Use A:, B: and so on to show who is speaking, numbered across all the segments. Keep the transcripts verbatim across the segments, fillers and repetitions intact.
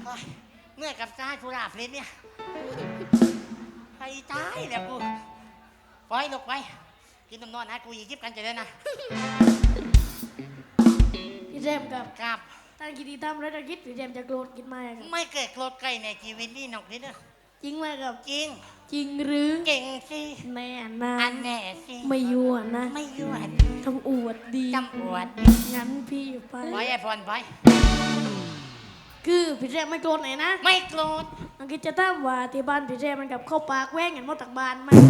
A: เมื่อกับซ้ายผู้ราบเล่นเนี่ยไปตายแล้วกูปล่อยลงไปกินนมนอนนะกูยิบกันจะได้นะ
B: พี่เจมกับ
A: ครับ
B: ตั้งกิจกรรมแล้วจะคิดพี่เจมจะโกรธกินไหม
A: ไม่เกิดโกรธใครในชีวิตนี่นกนี่เนอะ
B: จริงไหมครับ
A: จริง
B: จริงหรือ
A: เก่งสิ
B: แน่นะ
A: อันแน่สิ
B: ไม่ยั่วนะ
A: ไม่ยั่ว
B: ทำอวดดี
A: ทำอวด
B: งั้นพี่ไป
A: ไปไอ้พรไป
B: คือพี่เจมไม่โกรธไหนนะ
A: ไม่โกรธ
B: อังกฤษจะตั้งว่าที่บ้านพี่เจมมันกับเข้าปากแว้งกันหมดจากบ้านไหม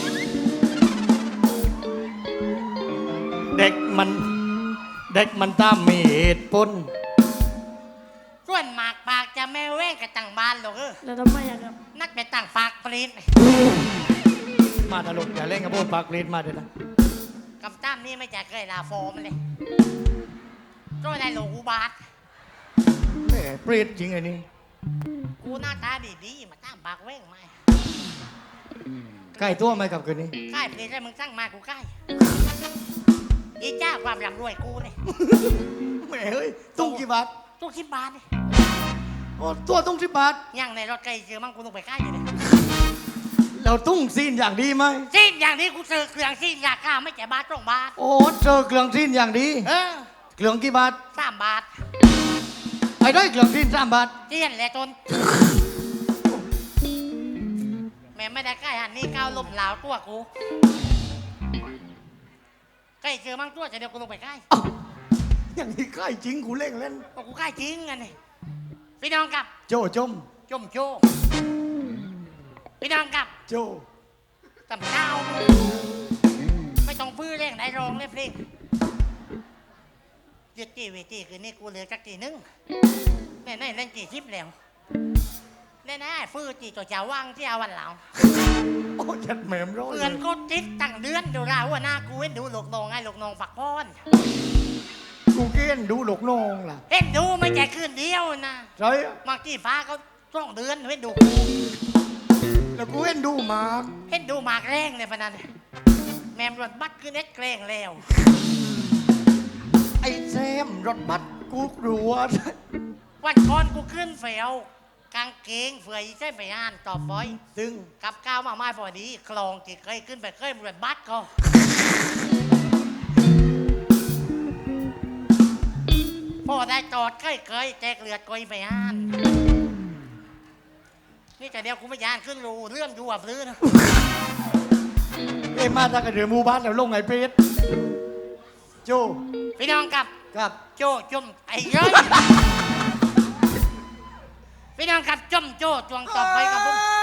C: เด็กมันเด็กมันตามมีเหตุผล
A: ส่วนหมากปากจะไม่แว้งกับต่างบ้านหรอกเออ
B: แล้วทำไมอะครับ
A: นักไปต่างปากปรีด
C: มาตลกอย่าเล่นกับพวกปากเล่นมาเถอะนะ
A: กำตั้มนี่ไม่จะเคยลาโฟมันเลยก็ได้หลงอุบาท
C: แหมเปรตจริงไอ้นี่
A: กูหน้าตาดีๆมาตั้งปากแว้งมา
C: ใกล้ตัวไหมกับคืนนี้
A: ใกล้ปรีดแล้วมึงสร้างมากูใกล้อีจ้าความร่ำรวยกูเลย
C: แหมเฮ้ยตุ้งกี่บาท
A: ตุ้งสิบบาทเลย
C: โอ้ตัวตุ้งสิบบาท
A: ยังในรถไกลเจอมั่งกูต้องไปใกล้อยู่เลย
C: เราตุ้งซีนอย่างดีไหม
A: ซีนอย่างนี้กูเจอเครื่องซีนราคาไม่แก่บาทตรงบาท
C: โอ้เจอเครื่องซีนอย่างดี
A: เออ
C: เครื่องกี่บาท
A: สามบาท
C: ไอ้ได้เครื่องซีนสามบาท
A: เจียนแหละจนแม่ไม่ได้ใกล้หันนี่ก้าวลมหลาวตัวกูใกล้เจอมั่งตัวจะเดี๋ยวกูลงไปใกล้
C: อย่างนี้ใกล้จริงกูเล่นเล่น
A: กูใกล้จริงไงนี่พี่น้องกับ
C: โจจม
A: จมโจพี่น้องกับ
C: โจ
A: ตำเท้าไม่ต้องพื้นเร่งได้รองเล่นเพลงยึดจีวีจีคือนี่กูเหลือจักจีนึงแน่ๆเล่นจีทิพย์แล้วแน่ๆฟื้นจีตัวเจ้าว่างที่เอาวันเหล่า
C: โอ้ยัดแหมมร้อย
A: เพื่อนก็ติดตั้งเดือนดูราว่าหน้ากูเห็นดูหลกนองไงหลกนองฝักพ้อน
C: กูเกณฑ์ดูหลกนองล่ะ
A: เห็นดูไม่ใช่คืนเดียวนะ
C: ใช่
A: บางที่ฟ้าเขาต้องเดือนเห็นดู
C: แล้วกูเห็นดูมาก
A: เห็นดูมากแรงเลยพนันแมมรถบัสคือเน็ตแกล้งแล้ว
C: ไอ้แซมรถบัสกูกลัว
A: วันก่อนกูขึ้นเฟียวกางเกงเฟือยใช่ไปอ่านต่อฟอย
C: ซึ่ง
A: กับก้าวมาไม่พอดีคลองที่เคยขึ้นไปเคยรถบัสก็พอได้จอดเคยเคยแจกเลือดกอยไปอ่านนี่แต่เดียวกูไม่ยานขึ้นรูเรื่องดูอ่ะพื้น
C: เอ็มมาจากกระเดือมูบ้านแล้วลงไงเปรตโจ
A: พี่น้องกับ
C: กับ
A: โจจมไอ้เย้ยพี่น้องกับจมโจจวงต่อไปกับผม